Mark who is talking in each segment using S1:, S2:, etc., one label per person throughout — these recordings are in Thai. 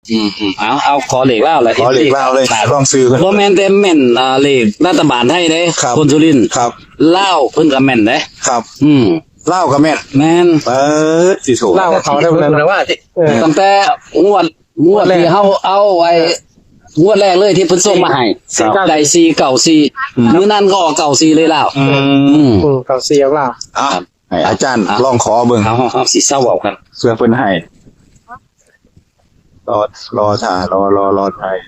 S1: เอาขอเหล็กเล่าเลย
S2: ขอเหล็กเล่าเลยลองซื้อ
S1: บ่แม่นแต่แม่นเหล็กรัฐบาลให้เด้คนสุรินทร์
S2: ครับ
S1: เล่าเพิ่นก็แม่นเด้
S2: ครับ เล่ากับแม่น
S1: แม่น
S2: เปิดสิโถ
S3: เล่าเขาได้เลยนะว่า
S1: ตั้งแต่งวดที่เฮาเอาไว้งวดแรกเลยที่เพิ่นส่งมาให้ได้4 9 4มื้อนั้นก็ออก9 4เลยแล้ว
S3: เขาเสียเล่า
S2: อ่ะให้อาจารย์ลองขอเบิ่ง
S1: เอาสิเศร้าเอากัน
S2: เพื่อเพิ่นให้รอถ่ารอไทย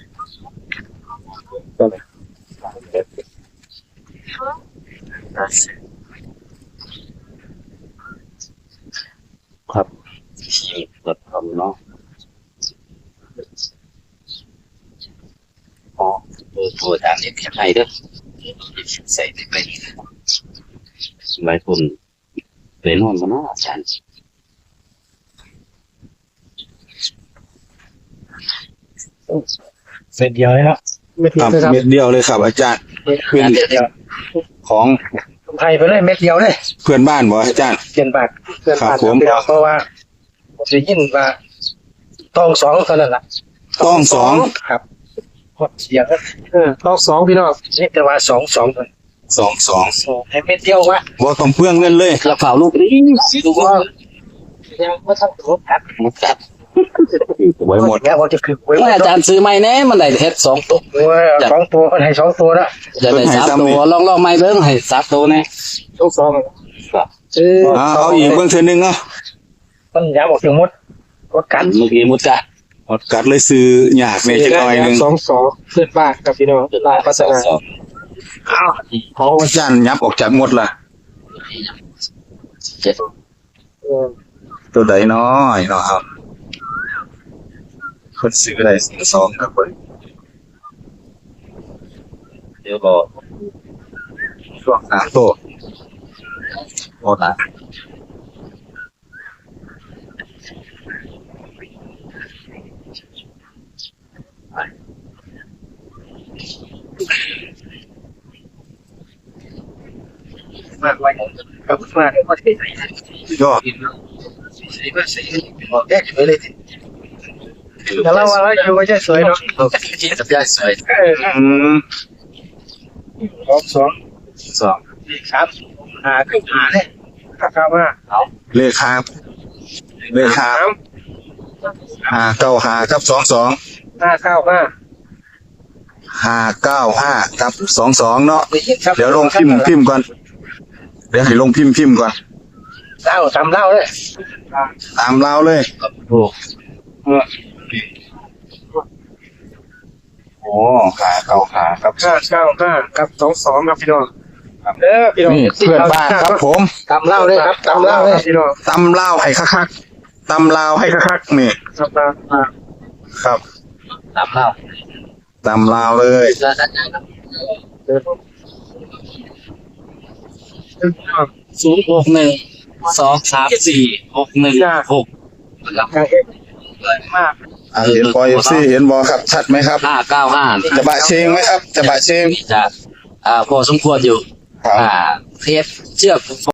S1: ครับชีเปิดทำเนาะอ๋อตัวอาจารย์เรียกแค่ไหนเด้อใส่ไปหลายคนเรียนนอนมาเนาะอาจารย์
S3: เสร็จเดียวเลยครับเม็ดเดี
S2: ค
S3: ยว
S2: รับ
S3: เลยครับ
S2: เม็ดเดียวเลยครับ อาจารย์ขึ้น
S3: เดียว
S2: ของ
S3: ไทยไปเลยเม็ดเดียวเลย
S2: เพื่อนบ้านบ่อาจารย์
S3: เปลี่ยนบาทเปลี่ยนบาท
S2: ครับผม
S3: เดียวเพราะว่าจะยินว่าต้องสองเท่านั้นแหละ
S2: ต้องสอง
S3: ครับหดเสียงต้องสองพี่น้องนี่แต่ว่าสองให้เม็ดเดียววะ
S2: บ่ต้องเปลืองเงินเลย
S1: กระเป๋าลูกนี้ลูกว่า
S3: ยังไม่ทันครบครับ
S1: จัด
S2: ไว้หมด
S3: แล้วว่าจะคือไว้
S1: เมื่ออาจารย์ซื้อใหม่แน่มันได้เฮ็ด2 ตัว
S3: สองตัวคนให้สองตัวละ
S1: จะได้3 ตัวลองใหม่เบิ่งให้3 ตัวแน่
S3: ต้องสอง
S2: เอาอีกเบิ่งเทื่อนึงเนาะ
S3: ต้นยาบอกถึงมดกดกัน
S1: เมื่อกี้มุดกะ
S2: อดกัดเลยซื้อยากในจักหน่อยนึง
S3: สองเพื่อนบ้านกับพี่น้องลายพัฒนา
S2: อ้าวขออาจารย์ยับออกจากหมดล่ะ ตัวใดน้อยเนาะครับคนซื้อได้สองครับเพิ่น
S1: เดี๋ยวก็
S2: ช่วงโตหมดละ
S3: มากไว้กับมากว่าที่ไหน
S2: ยอด
S3: ใส่ก็ใส่แยกสวยเลยแต่เราว่าอยู่ก็จะสวยเนาะ
S1: ที่จะได้สวย
S3: สอง
S2: สอง
S3: ครับขึ้นหาเนี่ยครับว่า
S2: เลขครับ595กับ22
S3: 595
S2: 595กับ22เนาะเดี๋ยวลงพิมพ์ก่อนเดี๋ยวให้ลงพิมพ์ก่อน
S3: เล่าทำเล่าเลย
S2: ตามเราเลย
S1: ถูก
S2: โอ้595กับ
S3: 595กับ22ครับพี่น้องพี่น้อง
S2: นี่เพื่อนบ้านครับผม
S3: ทำเล่าเลยครับทำเล่าเลยพี่น้อง
S2: ตำลาวให้คักๆตำลาวให้คักๆนี่
S3: ครับ
S2: ครับ
S1: ตามเล่า
S2: ตำลาวเลย
S1: 061234616
S3: การเองมาก
S2: เห็นบอยFC เห็นบอครับชัดไหมครับ
S1: 595
S2: จะบะเชงไหมครับจะบะเชง
S1: จะพอสมควรอยู่
S2: ครับ
S1: เทปเชือก